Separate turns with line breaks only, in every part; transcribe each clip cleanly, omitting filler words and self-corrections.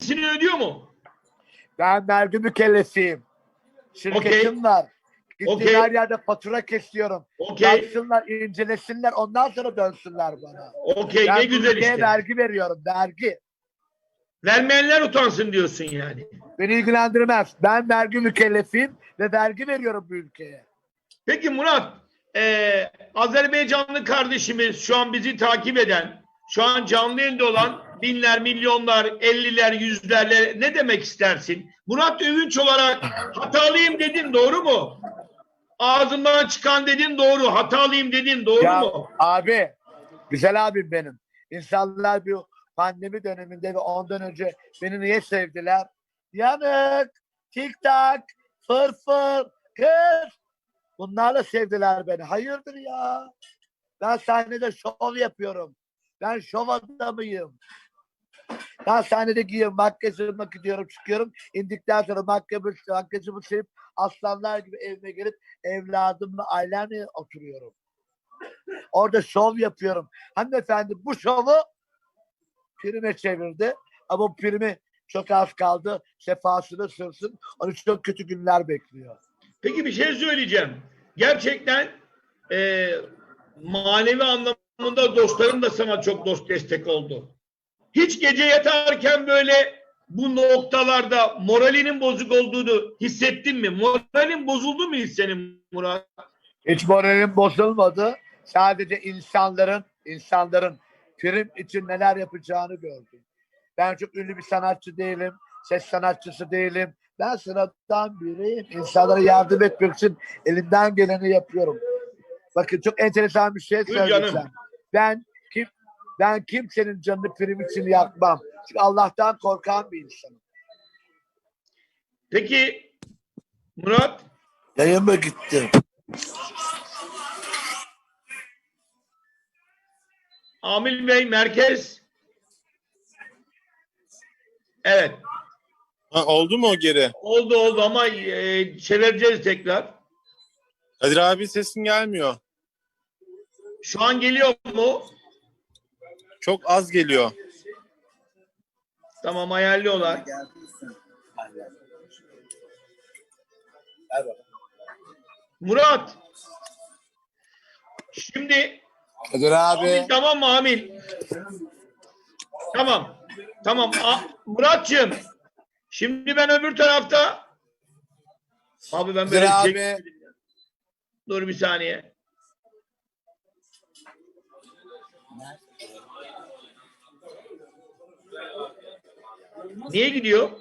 vergisini ödüyor mu?
Ben vergi mükellefiyim. Şirketim var. Gittiğim
Okey.
her yerde fatura kesiyorum.
Okey.
Baksınlar, incelesinler, ondan sonra dönsünler bana.
Okey, ne
Ben bu
güzel
ülkeye
işte.
vergi veriyorum, vergi.
Vermeyenler utansın diyorsun yani.
Beni ilgilendirmez. Ben vergi mükellefiyim ve vergi veriyorum bu ülkeye.
Peki Murat, Azerbaycanlı kardeşimiz şu an bizi takip eden, şu an canlı yayında olan binler, milyonlar, 50'ler, yüzlerle ne demek istersin? Murat Övünç olarak hatalıyım dedin, doğru mu? Ağzımdan çıkan dedin, doğru. Hatalıyım dedin, doğru
Ya
mu?
abi, güzel abim benim. İnsanlar bir pandemi döneminde ve ondan önce beni niye sevdiler? Yanık, tik tak, fırfır, kız. Bunlarla sevdiler beni. Hayırdır ya? Ben sahnede şov yapıyorum. Ben şov adamıyım. Ben sahnede giyiyorum, makyajıma gidiyorum, çıkıyorum. İndikten sonra makyajımı silip aslanlar gibi evime gelip evladımla, ailemle oturuyorum. Orada şov yapıyorum. Hanımefendi bu şovu prime çevirdi. Ama bu primi çok az kaldı. Sefasını sürsün. Onun için çok kötü günler bekliyor.
Peki bir şey söyleyeceğim. Gerçekten manevi anlamında dostlarım da sana çok dost destek oldu. Hiç gece yatarken böyle bu noktalarda moralinin bozuk olduğunu hissettin mi? Moralin bozuldu mu hiç senin Murat?
Hiç moralim bozulmadı. Sadece insanların prim için neler yapacağını gördüm. Ben çok ünlü bir sanatçı değilim. Ses sanatçısı değilim. Ben sıradan biriyim. İnsanlara yardım etmek için elimden geleni yapıyorum. Bakın çok enteresan bir şey
Buyur canım.
söyleyeceğim. Ben kim ben kimsenin canını prim için yakmam. Çünkü Allah'tan korkan bir insanım.
Peki Murat,
Yayın mı gitti?
Amil Bey merkez. Evet.
Ha, oldu mu o geri?
Oldu ama çevireceğiz tekrar.
Kadir abi sesin gelmiyor.
Şu an geliyor mu?
Çok az geliyor.
Tamam, ayarlıyorlar. Murat. Şimdi
Kadir abi.
Amil, tamam mı Amil? Tamam. Tamam. Muratçığım. Şimdi ben öbür tarafta. Abi ben böyle
Kadir
şey...
abi.
Dur bir saniye. Niye gidiyor?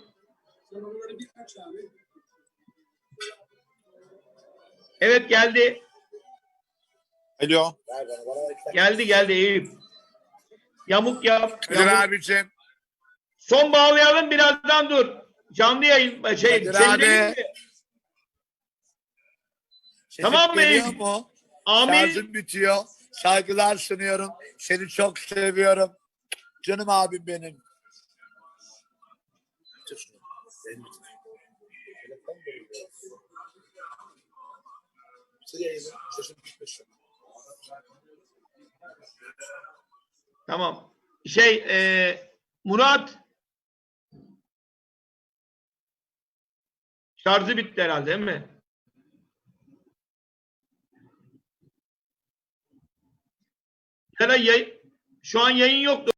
Evet geldi.
Alo.
Geldi Eyüp. Yamuk yap.
Kadir
Yamuk.
abicim.
Son bağlayalım, birazdan dur. Canlı yayın
Kadir
çevirelim
abi.
mi?
Sesim
Tamam mı
geliyor
Eyüp?
mu?
Amil.
Şarjım bitiyor. Saygılar sunuyorum. Seni çok seviyorum. Canım abim benim.
Tamam. Murat. Şarjı bitti herhalde değil mi? Şu an yayın yok.